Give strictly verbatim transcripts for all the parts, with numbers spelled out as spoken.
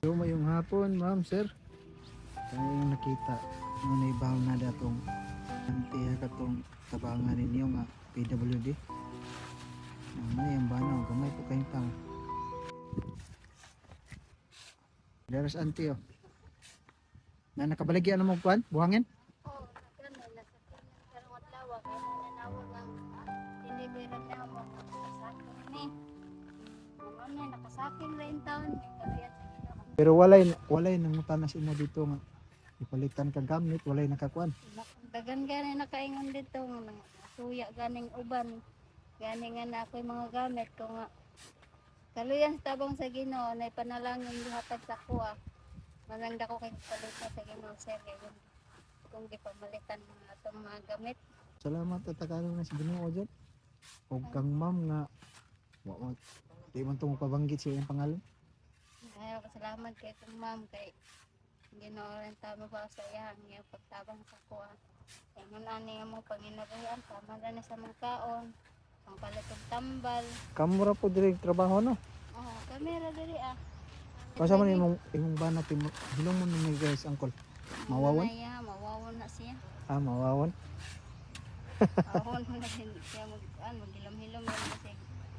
So mayong hapon, ma'am, sir. Kaya yung nakita, nung naibaw na datong antiya katong tabangan ninyo nga P W D. Mamay ang banaw, gamay po kayong tao. There's auntie oh. Na nakabaligyan mo kuan, buhangin? Oo, ganun. Nasa kanyang karawat lawa. Kaya nananawag ang delivery niya mo. Nakasaking ni. Mga may nakasaking rin taon. May kaluyan sa ginawa. Pero walay walay nangutan na si mo dito nga ipalitan ka gamit, walay nakakuan. Dagan gani nakaingon dito. Suya ganing uban. Gani nga na ako'y mga gamit ko nga. Kaluyan sa tabang sa Ginoo na ipanalangin gihatag sa kuha. Manang dako kay palitan sa Ginoo sir kay kung di pamalitan mga atong mga gamit. Salamat at tagalog na si Ginoo dyan. Og kang ma'am nga wa mo di man tong pabanggit sa iyang pangalan. Ayaw ko salamat kay itong ma'am kay Ginoo rin tama ba sa iyang iyang pagtabang sa kuha. Kaya nga nani nga mo panginabuhian tama na ni sa mga kaon. Ang palitong tambal. Kamura po diri trabaho no. Oo, kamera diri ah. Basta man imong imong banat imong hilong mo na may guys angkol. Mawawan? Iya, mawawan na siya. Ah, mawawan. Mawawan mo na siya siya mag, ano, maghilam-hilam yan kasi.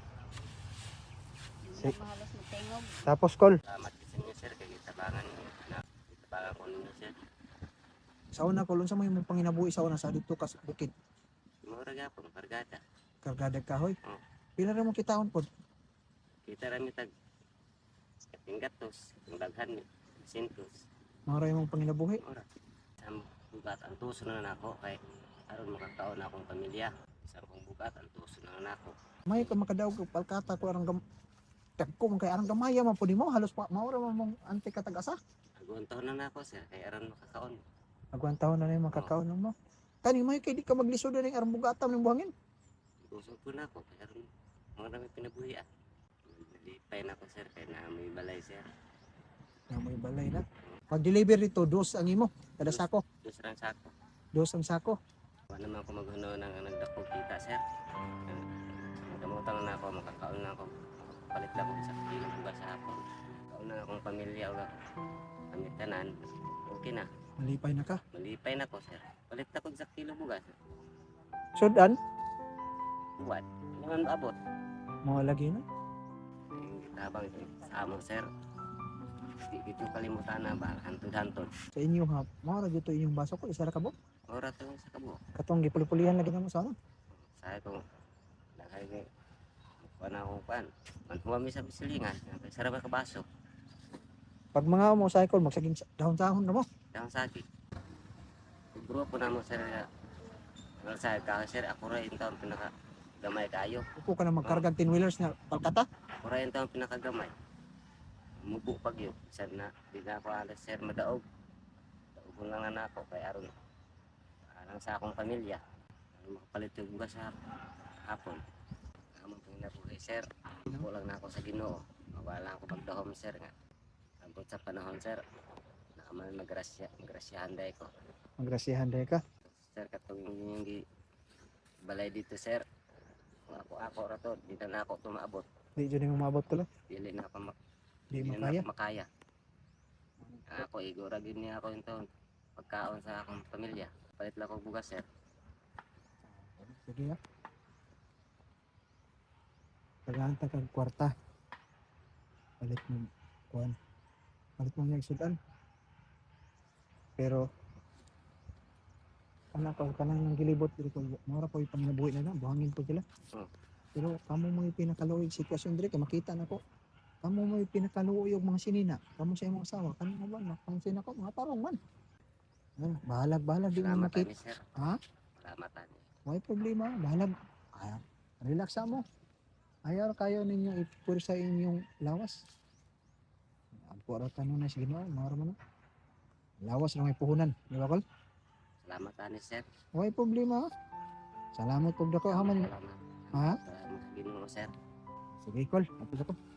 Hindi Si- na mahalos matengog. Tapos call. Salamat sa inyo sir kay gitabangan niyo anak. Gitabangan ko ninyo sir. Sa una call unsa may imong panginabuhi sa una sa dito ka sa bukid. Mura gyapon bargada. Kargada kahoy. Oo. Pila ra mo kitaon pod? Kita ra mi tag kating gatos, ang daghan ni sintos. Mao ra imong panginabuhi. Ora. Sam bugat ang tuso na nako kay aron makakaon na akong pamilya. Isang kong bugat ang tuso na nako. May ka makadaog og palkata ko arang gam Tagko man kay arang gamaya man pud mo halos pa mao ra man mong anti ka tag-asa. Aguan taon na nako sir kay aron makakaon. Agwan taon na na yung makakaon mo. Kani may kay di ka maglisod na ning arang bugatam ning buhangin. Tuso po nako kay aron mga dami pinabuhi ah. Nalipay na ko sir kay na may balay sir. Na may balay na. Pag deliver dito dos ang imo kada sako. Dos rang sako. Dos ang sako. Wala naman ako maghuno ng nagdako kita sir. Nagamutan na ako, makakaon na ako. Palit lang ako sa kilong bugas sa hapon. Kaon na akong pamilya o kami tanan. Okay na. Malipay na ka. Malipay na ko sir. Palit ako sa kilong bugas. Sudan Buwan. Hindi man maabot. mo lagi na. Yung gitabang sa amo sir. Di dito kalimutan na ba? Hantod-hantod. Sa inyo ha. Mao ra dito inyong baso ko isa ra ka mo. Ora to sa kabo. Katong gipuli-pulihan lagi na mo sa ano. Sa ko. Lakay ni. Kuha na akong pan. Manhuwami sa bisilingan. Sarap ka baso. Pag mga mo cycle magsaging dahon-dahon na mo. Yang sakit. Grupo na mo sir. Well, sa ka sir, ako rin taon pinaka gamay kayo. Upo ka na magkarga ten wheelers na palkata. Ako rin taon pinakagamay. Mubo pag yun. Sir na, di na ako alas sir madaog. Daog lang na ako kay aron. Alang sa akong pamilya. Aron makapalit yung bugas sa hapon. Among panginabuhi sir. Kulang na ako sa Ginoo. Mawala ako pagdahom sir nga. Ambot sa panahon sir. Nakamal magrasya, magrasyahan day ko. Magrasihan day ka. Sir katong yung gi balay dito sir. Kung ako ako ra to, di na ako tumaabot. Di jud nimo maabot ko lang. Dili na ako mak Di dili mo na kaya. ako makaya. Ako igora gid niya ako yung taon. Pagkaon sa akong pamilya. Palit lang ako bugas sir. Sige ha. Kailangan ta kag kwarta. Palit mo kuan. Palit mo niya sudan. Pero anak ko kanang nang gilibot diri ko mura po yung panginabuhi na lang buhangin po sila. Oh. Pero kamo mo yung pinakaluoy sitwasyon diri kay makita na ko. Kamo mo yung pinakaluoy og mga sinina. Kamo sa imong asawa kanang ba na pangsin ako mga tarong man. Ano, bahalag bahalag di mo Salamat makita. ani sir. Ha? Salamat ani. May problema, bahalag. Ay, relax mo. Ayaw kayo ninyo ipur sa inyong lawas. Ang pura ka nun na sige na, mara mo na. Lawas na may puhunan, di ba kol? Salamat ani sir. May problema ha? Salamat pag dako ha man. Salamat. Ha? Salamat sa Ginoo sir. Sige kol, tapos ako.